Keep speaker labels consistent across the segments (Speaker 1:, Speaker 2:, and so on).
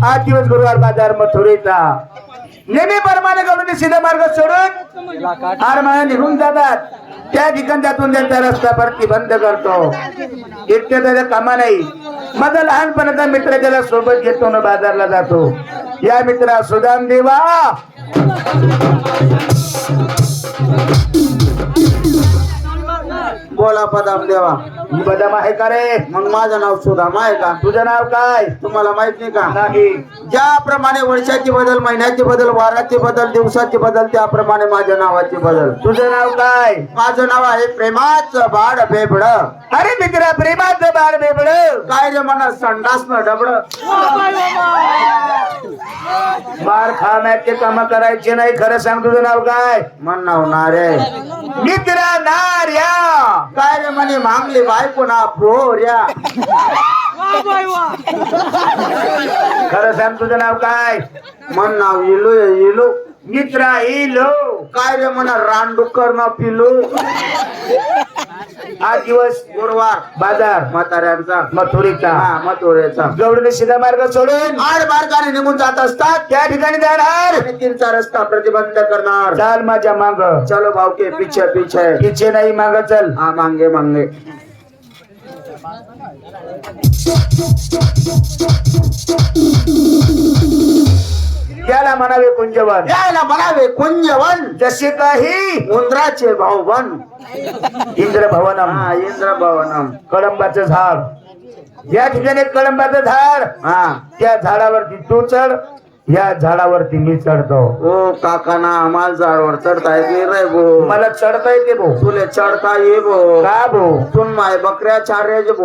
Speaker 1: 8 दिवस गुरुवार बाजार मथुरेचा नेहमी परमाने गवळणी सीधा मार्ग सोडून आरमाळा निघून जातात. त्या ठिकाणी त्यातून त्यांचा रस्ता प्रतिबंध करतो. इतके त्याच्या कामा नाही. माझा लहानपणाचा मित्र त्याला सोबत घेतो ना बाजारला जातो. या मित्रा सुदाम देवा
Speaker 2: बोला पदाम देवा.
Speaker 1: ही बदाम आहे का रे?
Speaker 2: मग माझं नाव सुदाम आहे का?
Speaker 1: तुझं नाव काय?
Speaker 2: तुम्हाला माहित नाही का?
Speaker 1: नाही.
Speaker 2: ज्याप्रमाणे वर्षाची बदल, महिन्याची बदल, वाराची बदल, दिवसाची बदल, त्याप्रमाणे माझ्या नावाची बदल.
Speaker 1: तुझं नाव काय?
Speaker 2: माझं नाव आहे प्रेमाचं बाळ बेबड.
Speaker 1: अरे मित्रा प्रेमाचं बाळ बेबड.
Speaker 2: काय रे म्हणा संडास न डबड.
Speaker 1: मार खाण्याचे काम करायचे नाही. खरं सांग तुझं नाव काय?
Speaker 2: मन नाव नारे.
Speaker 1: मित्रा नार्या.
Speaker 2: काय रे म्हणे मागली बायको ना पोऱ्या.
Speaker 1: खरं सांग तुझं नाव काय?
Speaker 2: मन नाव इलू इलू.
Speaker 1: मित्रा इलो.
Speaker 2: काय रे म्हणा रानडुक्कर ना पिलू.
Speaker 1: 8 दिवस
Speaker 2: गुरुवार
Speaker 1: बाजार
Speaker 2: म्हाताऱ्यांचा
Speaker 1: मथुरेचा
Speaker 2: मथुरेचा
Speaker 1: गवळणी सीधा मार्ग सोडून
Speaker 2: आड मार्गाने निघून जात असतात.
Speaker 1: त्या ठिकाणी जाणार.
Speaker 2: आणि 3चा रस्ता प्रतिबंध करणार.
Speaker 1: चाल माझ्या मांग.
Speaker 2: चलो भाऊ के पीछे पीछे.
Speaker 1: पिछे नाही मांग चल.
Speaker 2: हा मांगे मांगे.
Speaker 1: त्याला म्हणावे कुंजवन.
Speaker 2: यायला म्हणावे कुंजवन.
Speaker 1: जसे काही
Speaker 2: उंदराचे भाऊबन.
Speaker 1: इंद्र भवनम.
Speaker 2: हा इंद्र भवनम.
Speaker 1: कळंबाचं झाड. या ठिकाणी कळंबाचं झाड.
Speaker 2: हा
Speaker 1: त्या झाडावरती तू चढ. या झाडावरती मी चढतो.
Speaker 2: ओ काकाना आम्हाला झाडवर चढता येत नाही रे भो.
Speaker 1: मला चढता येते भो.
Speaker 2: तुले चढता ये भो.
Speaker 1: का भो?
Speaker 2: तुम माय बकऱ्या चार्याच भो.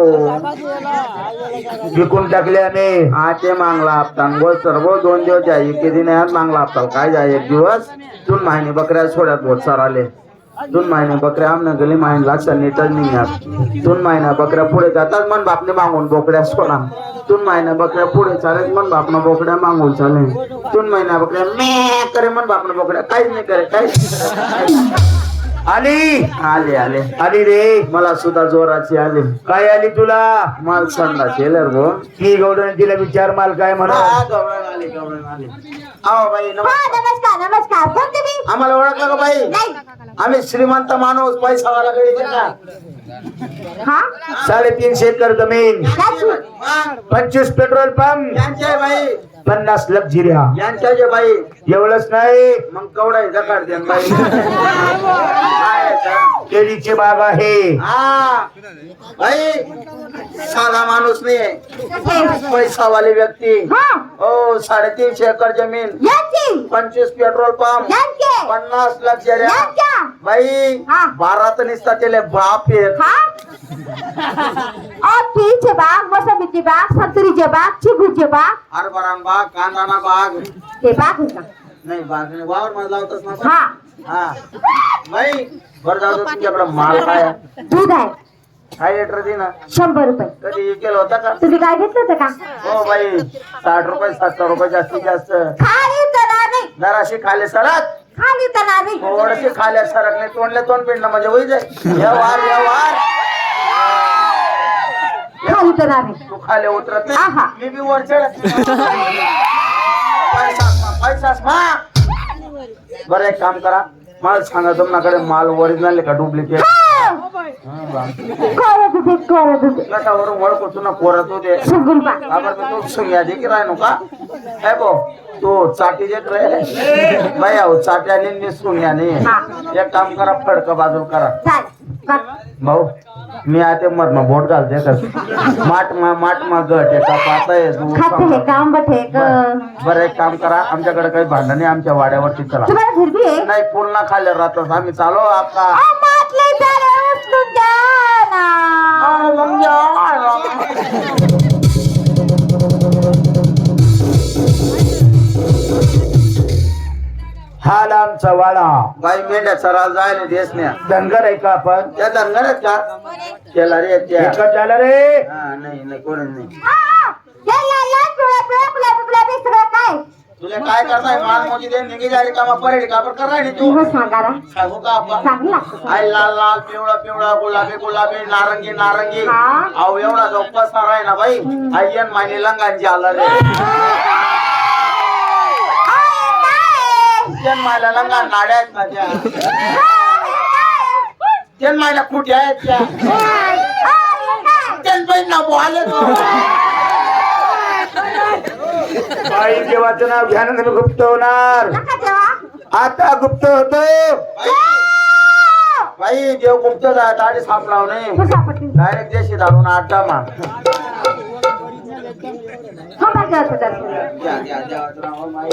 Speaker 1: विकून टाकल्याने
Speaker 2: हा ते मागला हप्ता गो सर्व 2 दिवस जाई किती नाही मागला हप्ता काय जाय 1 दिवस. तुम माहिनी बकऱ्या सोड्यात बहुत सार आले. 2 महिने बकऱ्या आमना गली माहिन लागसा नीटच नाही. 2 महिना बकऱ्या पुढे जातात मन बापने मागून बोकड्या सोडा. 2 महिना बकऱ्या पुढे चालत मन बापना बोकड्या मागून चाले. 2 महिना बकऱ्या मे करे मन बापना बोकड्या काहीच नाही करे काहीच.
Speaker 1: आली
Speaker 2: आले आले
Speaker 1: आली रे.
Speaker 2: मला सुद्धा जोराची आले.
Speaker 1: काय आली तुला?
Speaker 2: माल संडा केलर भो.
Speaker 1: की गौडन तिला विचार माल काय म्हणा.
Speaker 2: गवळण आले गवळण आले. आओ बाई
Speaker 3: नमस्कार नमस्कार. कोण तुम्ही?
Speaker 2: आम्हाला ओळखलं का बाई?
Speaker 3: नाही.
Speaker 2: आम्ही श्रीमंत माणूस पैसावाला गडी का?
Speaker 3: हा
Speaker 1: 350 एकर जमीन.
Speaker 3: त्याची
Speaker 1: 25 पेट्रोल पंप.
Speaker 2: यांच्या बाई
Speaker 1: 50 लक्झरिया.
Speaker 2: यांच्या जे बाई
Speaker 1: एवढंच नाही.
Speaker 2: मग कवडा जकाड द्या बाई.
Speaker 1: केळीची बाग आहे.
Speaker 2: हा बाई साधा माणूस नाही पैसावाली व्यक्ती.
Speaker 3: हा
Speaker 2: हो 350 एकर जमीन.
Speaker 3: याची
Speaker 2: 25 पेट्रोल पंप.
Speaker 3: यांचे
Speaker 2: 50 लक्झरिया.
Speaker 3: यांच्या
Speaker 2: बाई
Speaker 3: हा.
Speaker 2: 12 तर निसता त्याला बाप येत.
Speaker 3: हा पीचे बाग, मोसंबीचे बाग, संतरीचे बाग, चिकूचे बाग.
Speaker 2: हरभरा बाग, कांदाना बाग.
Speaker 3: ते बाग आहे का?
Speaker 2: नाही बाग नाही वावर मध्ये लावतच ना.
Speaker 3: हा
Speaker 2: हा बाई बरं जाऊ दे, तुमच्याकडे माल काय आहे?
Speaker 3: दूध आहे
Speaker 2: काय लिटर दे ना.
Speaker 3: 100 रुपये.
Speaker 2: कधी केलं होता का?
Speaker 3: तुम्ही काय घेतलं होतं का?
Speaker 2: हो बाई 60 रुपये 70 रुपये जास्तीत जास्त.
Speaker 3: खाली तणार नाही.
Speaker 2: जराशी खाले सरक.
Speaker 3: खाली तणार नाही.
Speaker 2: थोडशी खाल्या सरक नाही तोंडले तोंड पिंड म्हणजे होई जाय. व्यवहार व्यवहार.
Speaker 3: खाली तणार नाही.
Speaker 2: तू खाले उतरत
Speaker 3: आहा.
Speaker 2: नाही. मी बी वर चढत. पैसाच मा. बरं एक काम करा मला सांगा तुमच्याकडे माल ओरिजिनल का डुप्लिकेट?
Speaker 3: करत होते
Speaker 2: कटावरून ओळखू तुला पोरत होते.
Speaker 3: सुगुलबा
Speaker 2: तू सुंग्या दे की राय का काय बो तू चाटी देत रे बाई आहो चाट्याने नि सुंग्याने. एक काम करा फडक बाजू करा
Speaker 3: चाल
Speaker 2: भाऊ. मी आता मधमा बोट घालते का माट मा गट एका पाताय
Speaker 3: खाते हे काम बठे
Speaker 2: बरं एक काम करा आमच्याकडे काही भांडण नाही आमच्या वाड्यावरती चला.
Speaker 3: तुम्हाला फिरती आहे
Speaker 2: नाही पूर्ण खाल्ले राहतात आम्ही चालो आपका.
Speaker 3: मातले झाले उचलून द्या ना.
Speaker 1: हा लांबचा वाडा.
Speaker 2: बाई मेंढ्या चराला जायला देस नाही.
Speaker 1: धनगर आहे का आपण?
Speaker 2: त्या धनगर आहेत का? केला रे त्या.
Speaker 1: एकच झालं रे.
Speaker 2: हा नाही नाही कोणच नाही.
Speaker 3: हा, या, या, या, पिवळ्या, पिवळ्या, पिवळ्या, पिवळ्या, पिवळ्या, पिवळ्या, काय
Speaker 2: तुला काय करताय मान मोजी दे निघी जारी कामा परेड का कर राहिली तू
Speaker 3: हो सांगा रा.
Speaker 2: सांगू का आपण
Speaker 3: चांगलं लागतं.
Speaker 2: आय लाल लाल पिवळा पिवळा गुलाबी गुलाबी नारंगी नारंगी
Speaker 3: हा.
Speaker 2: अहो एवढा जो पसार आहे ना बाई आयन मायने लंगांची आला रे जन मायला लंगा नाड्या आहेत ना त्या जन मायला कुठे आहेत त्या जन बाई ना बोले
Speaker 1: बाई देवाचं नाव घ्यानं गुप्त होणार.
Speaker 3: नका जेवा.
Speaker 1: आता गुप्त होतो.
Speaker 2: बाई देव गुप्त दाढी सापडाव नाही
Speaker 3: हो सापडते.
Speaker 2: डायरेक्ट देशी धाडून आटा मा
Speaker 3: हो बा जेवायचं दर्शन.
Speaker 2: द्या द्या देवाचं नाव माई